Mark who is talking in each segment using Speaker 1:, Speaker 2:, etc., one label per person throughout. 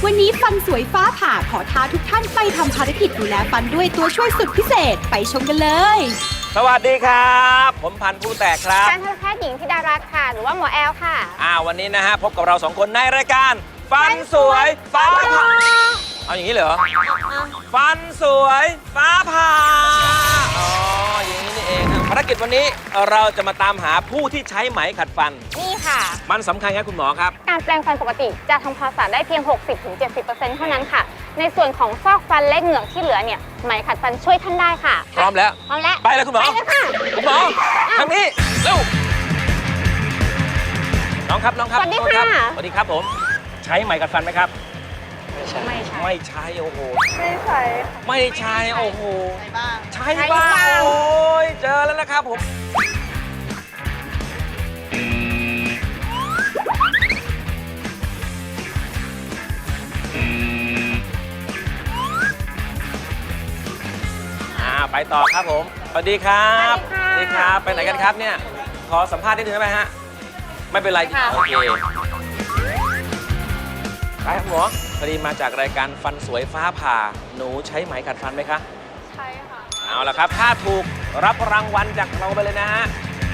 Speaker 1: วันนี้ฟันสวยฟ้าผ่าขอท้าทุกท่านไปทำภารกิจดูแลฟันด้วยตัวช่วยสุดพิเศษไปชมกันเลย
Speaker 2: สวัสดีครับ ผมพันธุ์ผู้แตกครับ
Speaker 3: การทันตแพทย์หญิงธิดารัตน์ค่ะ หรือว่าหมอแอลค่ะ
Speaker 2: วันนี้นะฮะพบกับเราสองคนในรายการฟันสวยฟ้าผ่าเอาอย่างนี้เหรอฟันสวยฟ้าผ่าอย่างนี้นี่เองภารกิจวันนี้เราจะมาตามหาผู้ที่ใช้ไหมขัดฟัน
Speaker 3: นี่ค่ะ
Speaker 2: มันสำคัญครับคุณหมอครับ
Speaker 3: การแปลงฟันปกติจะทำความสะอาดได้เพียง 60-70% เท่านั้นค่ะ ในส่วนของซอกฟันและเหงือกที่เหลือเนี่ยไหมขัดฟันช่วยท่านได้ค่ะ
Speaker 2: พร้อมแล้ว
Speaker 3: พร้อมแล้ว
Speaker 2: ไปเลยคุณหมอ
Speaker 3: ไปเลยค่ะ
Speaker 2: คุณหมอทางนี้เร็วน้องครับน้องครับ
Speaker 3: สวัสดี
Speaker 2: โทษครั
Speaker 3: ค่ะ
Speaker 2: สวัสดีครับผมใช้ไหมขัดฟันไหมครับ
Speaker 3: ไม่ใช่
Speaker 2: ไม่ใช้โอ้โห
Speaker 4: ไม่ใช่
Speaker 2: ไม่ใช้โอ้โห
Speaker 4: บ้าง
Speaker 2: ใช้บ้างโอ้ยเจอแล้วนะครับผมไปต่อครับผมสวัสดีครับ
Speaker 3: สวัสดีค่ะ
Speaker 2: ไปไหนกันครับเนี่ยขอสัมภาษณ์นิดนึงได้ไหมฮะไม่เป็นไรโอเคไปครับหมอพอดีมาจากรายการฟันสวยฟ้าผ่าหนูใช้ไหมขัดฟันไหมคะ
Speaker 4: ใช่ค่ะ
Speaker 2: เอาละครับถ้าถูกรับรางวัลจากเราไปเลยนะฮะ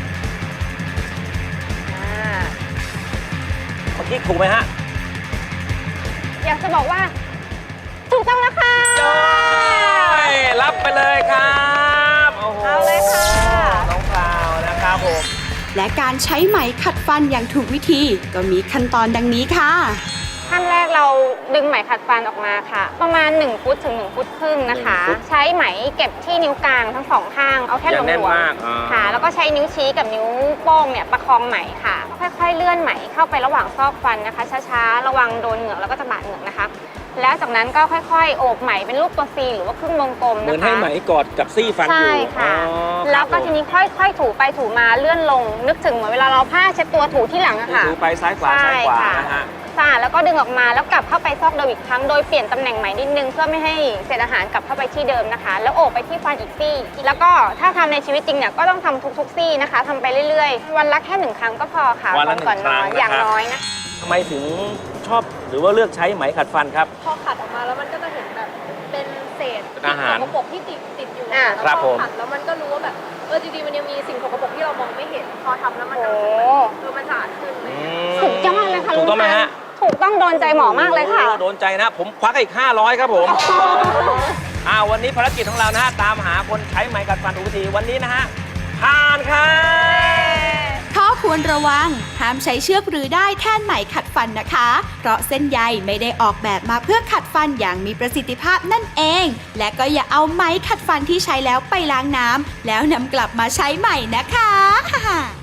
Speaker 2: เมื่อกี้ถูกไหมฮะ
Speaker 3: อยากจะบอกว่าถูกต้องแล้วค่ะ
Speaker 2: รับไปเลยครับโอ้โห
Speaker 3: เอาเลยค่ะ
Speaker 2: น้องพราวนะครับผม
Speaker 1: และการใช้ไหมขัดฟันอย่างถูกวิธีก็มีขั้นตอนดังนี้ค่ะ
Speaker 3: ขั้นแรกเราดึงไหมขัดฟันออกมาค่ะ ประมาณ1ฟุตถึง1ฟุตครึ่งนะคะ ใช้ไหมเก็บที่นิ้วกลางทั้งสองข้างเอาแค่
Speaker 2: อย่า
Speaker 3: หล
Speaker 2: แน่น
Speaker 3: วม
Speaker 2: มาก
Speaker 3: ๆค่ะ แล้วก็ใช้นิ้วชี้กับนิ้วโป้งเนี่ยประคองไหมค่ะ ค่อยๆเลื่อนไหมเข้าไประหว่างซอกฟันนะคะช้าๆระวังโดนเหงือกแล้วก็จะบาดเหงือกนะคะ แล้วจากนั้นก็ค่อยๆโอบไหมเป็นรูปตัว C หรือว่าครึ่งวงกลม
Speaker 2: เหมือน
Speaker 3: นะคะ
Speaker 2: ให้ไหมกอดกับซี่ฟันอยู่
Speaker 3: ใช่ค่ะ
Speaker 2: ครับ
Speaker 3: แล้วก็
Speaker 2: ผม
Speaker 3: ทีนี้ค่อยๆถูไปถูมาเลื่อนลง นึกถึงเหมือนเวลาเราผ้าเช็ดตัวถูที่หลังอะค่ะ
Speaker 2: ถูไปซ้ายขวาซ้ายขวานะฮะ
Speaker 3: สะอาดแล้วก็ดึงออกมาแล้วกลับเข้าไปซอกเดิมอีกครั้งโดยเปลี่ยนตำแหน่งใหม่นิดนึงเพื่อไม่ให้เศษอาหารกลับเข้าไปที่เดิมนะคะ แล้วโอบไปที่ฟันอีกซี่แล้วก็ถ้าทำในชีวิตจริงเนี่ยก็ต้องทำทุกๆซี่นะคะทำไปเรื่อยๆ วันละแค่1 ครั้งก็พอค่ะ
Speaker 2: วันละ1
Speaker 3: ก่อนนอน
Speaker 2: ครั้ง
Speaker 3: อย่าง
Speaker 2: นะครับ
Speaker 3: น้อยนะ
Speaker 2: ทำไมถึงชอบหรือว่าเลือกใช้ไหมขัดฟันครับ
Speaker 4: พอขัดออกมาแล้วมันก็จะเห็นแบบเป็นเศษ
Speaker 2: เป็นอาหาร
Speaker 4: สิ่งสกปรกที่ติดอยู่
Speaker 3: อ่า
Speaker 4: แล้ว
Speaker 2: ครับ
Speaker 4: พ
Speaker 2: ผ
Speaker 4: อ
Speaker 2: ม
Speaker 4: ขัดแล้วมันก็รู้ว่าแบบจริงๆมันยังมีสิ่งสกปรกที่เรามองไม่เห็น พอทำแล้วมันจะ
Speaker 3: โอ้
Speaker 4: รู้สึกแบบมันสะอาดขึ้นเลย
Speaker 3: สุดยอดเลยค่ะ
Speaker 2: ถูกต้องไหมฮะ
Speaker 3: ถูกต้องโดนใจหมอมากเลยค่ะ
Speaker 2: โอ้โดนใจนะ ผมควักอีก 500 ครับผม วันนี้ภารกิจของเรานะฮะ ตามหาคนใช้ไหมขัดฟันถูกวิธีวันนี้นะฮะ ผ่านครับ
Speaker 1: ข้อควรระวัง ห้ามใช้เชือกหรือได้แท่นไหมขัดฟันนะคะ เพราะเส้นใยไม่ได้ออกแบบมาเพื่อขัดฟันอย่างมีประสิทธิภาพนั่นเอง และก็อย่าเอาไหมขัดฟันที่ใช้แล้วไปล้างน้ำแล้วนำกลับมาใช้ใหม่นะคะ